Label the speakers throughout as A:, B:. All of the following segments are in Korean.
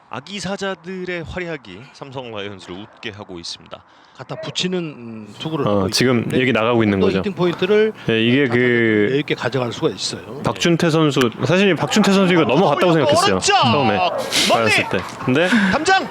A: 아기 사자들의 활약이 삼성 라이온즈를 웃게 하고 있습니다.
B: 갖다 붙이는 투구를 하고
C: 지금 얘기 나가고 있는 거죠.
B: 1등 포인트를
C: 네, 이게 그
B: 여유 있게 가져갈 수가 있어요.
C: 박준태 선수, 사실 박준태 선수 이거 넘어갔다고 생각했어요. 처음에 받았을 때. 근데
A: 담장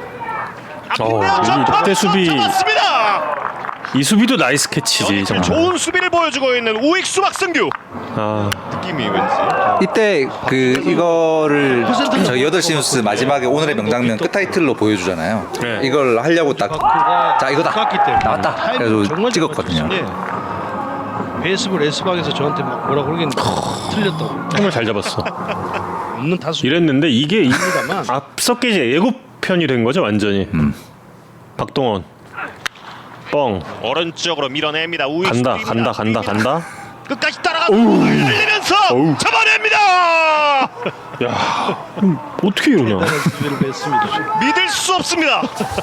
C: 이때 수비,
A: 잡았습니다.
C: 이 수비도 나이스 캐치지 정말.
A: 좋은 수비를 보여주고 있는 우익수 박승규. 느낌이 왠지
D: 이때 이거를 저희 8시 뉴스 마지막에 오늘의 명장면 끝 타이틀로 보여주잖아요.
C: 네.
D: 이걸 하려고 딱 자 이거다
B: 깎기 때문에
D: 나왔다
B: 타이밍이
D: 그래서
B: 정말
D: 찍었거든요.
B: 베이스볼 S방에서 저한테 막 뭐라 그러겠는데 틀렸다고.
C: 정말 잘 잡았어.
B: 없는 타수
C: 이랬는데 이게
B: 입니다만.
C: 앞서 깨지 예고편이 된 거죠 완전히. 박동원 뻥
A: 오른쪽으로 밀어냅니다. 우익수
C: 간다.
A: 끝까지 따라가고 흘리면서
C: 어우.
A: 잡아냅니다.
C: 야 어떻게 이러냐.
A: 믿을 수 없습니다.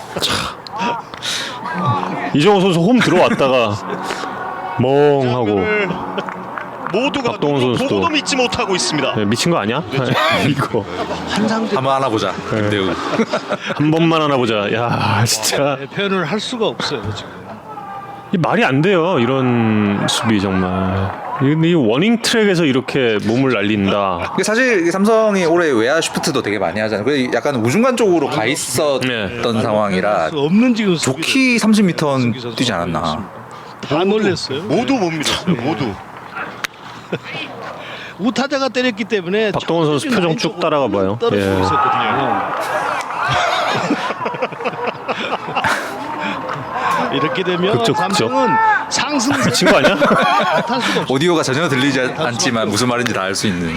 C: 이정호 선수 홈 들어왔다가 멍하고.
A: 모두가
C: 박동원 선수도.
A: 보고도 믿지 못하고 있습니다.
C: 네, 미친 거 아니야? 이거
D: 한번 하나 보자. 김대우.
C: 한 번만 하나 보자. 야 진짜
B: 표현을 할 수가 없어요 지금.
C: 이 말이 안 돼요. 이런 수비 정말. 이 워닝 트랙에서 이렇게 몸을 날린다.
D: 근데 사실 삼성이 올해 외야 슈프트도 되게 많이 하잖아요. 그래서 약간 우중간 쪽으로 가 있었던
C: 네.
D: 상황이라
B: 없는 지금
D: 좋게 30m 뛰지 않았나.
B: 다 놀랐어요.
A: 모두 못 믿었어요. 모두.
B: 우타자가 때렸기 때문에
C: 박동원 선수 표정 쭉 따라가 봐요.
B: 떨어지고
C: 예.
B: 있었거든요. 이렇게 되면
C: 극적.
B: 삼성은 상승세
C: 미친 거 아니야?
B: 탈 수가 없어요.
D: 오디오가 전혀 들리지 않지만 무슨 말인지 다 알 수 있는.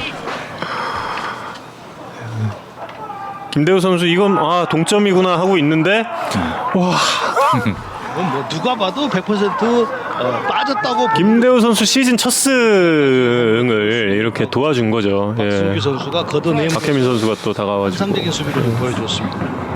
C: 김대우 선수 이건 동점이구나 하고 있는데 와
B: 이건 뭐 누가 봐도 100% 빠졌다고.
C: 김대우 선수 시즌 첫 승을 이렇게 도와준 거죠.
B: 박승규
C: 예.
B: 선수가 걷어내면
C: 박혜민 선수가 또 다가와주고.
B: 상적인 수비를 보여줬습니다.